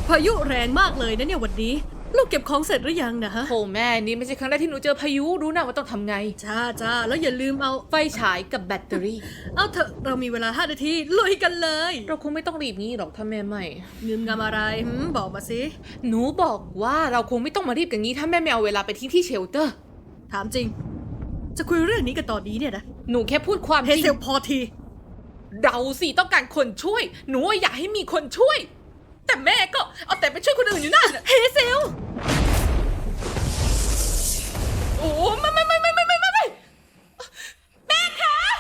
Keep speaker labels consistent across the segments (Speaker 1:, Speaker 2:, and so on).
Speaker 1: พายุแรงมากเลยนะเนี่ยวันนี้ลูกเก็บของเสร็จหรือยังนะฮะ
Speaker 2: โธ่แม่นี่ไม่ใช่ครั้งแรกที่หนูเจอพายุรู้นะว่าต้องทำไง
Speaker 1: จ้าแล้วอย่าลืมเอา
Speaker 2: ไฟฉายกับแบตเตอรี่
Speaker 1: เอาเถอะเรามีเวลา5 นาทีลุยกันเลย
Speaker 2: เราคงไม่ต้องรีบงี้หรอกถ้าแม่ไม่
Speaker 1: งืมงำอะไรบอกมาสิ
Speaker 2: หนูบอกว่าเราคงไม่ต้องมารีบกันงี้ถ้าแม่ไม่เอาเวลาไปทิ้งที่เชลเตอร์
Speaker 1: ถามจริงจะคุยเรื่องนี้กันตอนนี้เนี่ยนะ
Speaker 2: หนูแค่พูดความจริง
Speaker 1: เฮเซลพอที
Speaker 2: เราสิต้องการคนช่วยหนูอยากให้มีคนช่วยแต่แม่ก็เอาแต่ไปช่วยคนอื่นอยู่นั่น
Speaker 1: เฮเซล
Speaker 2: โอ้ไม่แม่คะ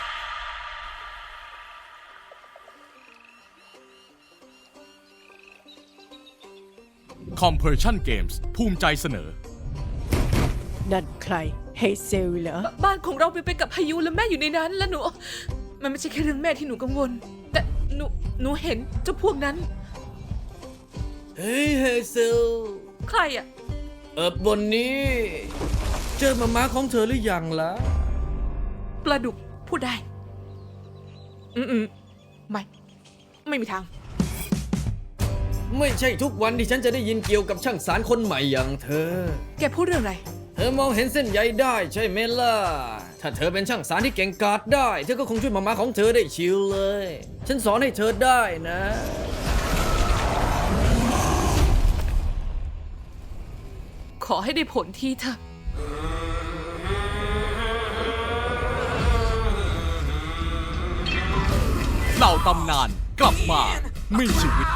Speaker 3: Compression Games ภูมิใจเสนอ
Speaker 4: นั่นใครเฮเซลเหรอ
Speaker 2: บ้านของเราไปกับพายุแล้วแม่อยู่ในนั้นแล้วหนูมันไม่ใช่แค่เรื่องแม่ที่หนูกังวลแต่หนูเห็นเจ้าพวกนั้น
Speaker 5: เฮ้ยเฮเซล
Speaker 2: ใครอะ
Speaker 5: วันนี้เจอมาม่าของเธอหรือยังล่ะ
Speaker 2: ปลาดุกพูดได้ไม่มีทาง
Speaker 5: ไม่ใช่ทุกวันที่ฉันจะได้ยินเกี่ยวกับช่างสารคนใหม่อย่างเธอ
Speaker 2: แกพูดเรื่องอะไร
Speaker 5: เธอมองเห็นเส้นใยได้ใช่ไหมล่ะถ้าเธอเป็นช่างสารที่เก่งกาจได้เธอก็คงช่วยมาม่าของเธอได้ชิลเลยฉันสอนให้เธอได้นะ
Speaker 2: ขอให้ได้ผลทีเถอะ
Speaker 3: เหล่าตำนานกลับมามีชีวิต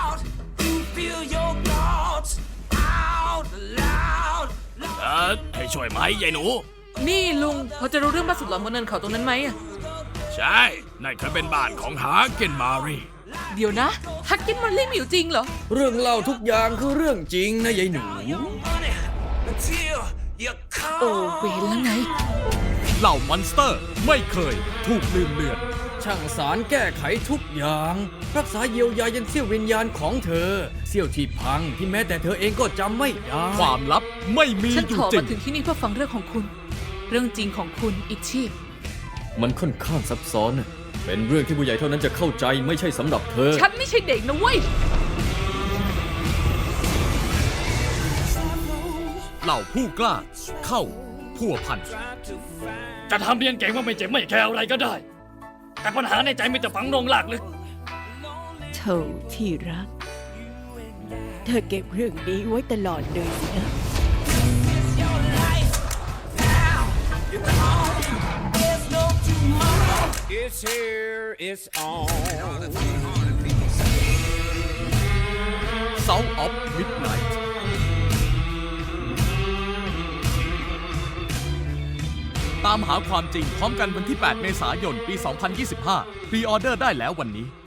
Speaker 3: ให้ช่วยไหมยายหนู
Speaker 2: นี่ลุงพอจะรู้เรื่องบ้านสุดหลอนบนเนินเขาตรงนั้นไหมอะ
Speaker 3: ใช่นั่นเคยเป็นบ้านของฮาร์เกนมารี
Speaker 2: เดี๋ยวนะฮักกินมันเล่นอยู่จริงเหรอ
Speaker 5: เรื่องเล่าทุกอย่างคือเรื่องจริงนะยายหนู
Speaker 2: โอ้เวรแล้วไง
Speaker 3: เหล่ามอนสเตอร์ไม่เคยถูกลืมเลือน
Speaker 5: ช่างสารแก้ไขทุกอย่างรักษาเยียวยายันเสี้ยววิญญาณของเธอเสี้ยวที่พังที่แม้แต่เธอเองก็จำไม่ได้
Speaker 3: ความลับไม่มีอยู่จริง
Speaker 2: ฉันขอมาถึงที่นี่เพื่อฟังเรื่องของคุณเรื่องจริงของคุณอิชชี่
Speaker 5: มันค่อนข้างซับซ้อนเป็นเรื่องที่ผู้ใหญ่เท่านั้นจะเข้าใจไม่ใช่สำหรับเธอ
Speaker 2: ฉันไม่ใช่เด็กนะเว้ย
Speaker 3: เหล่าผู้กล้าเข้าพัวพัน
Speaker 6: จะทำเรียนเก่งว่าไม่เจ็บไม่แคร์อะไรก็ได้แต่ปัญหาในใจมันจะฝังลงหลากลึก
Speaker 4: เธอที่รักเธอเก็บเรื่องนี้ไว้ตลอดเลยนะ
Speaker 3: It's here, it's on. Sound of Midnight ตามหาความจริงพร้อมกันวันที่ 8 เมษายน ปี 2025 พรีออเดอร์ได้แล้ววันนี้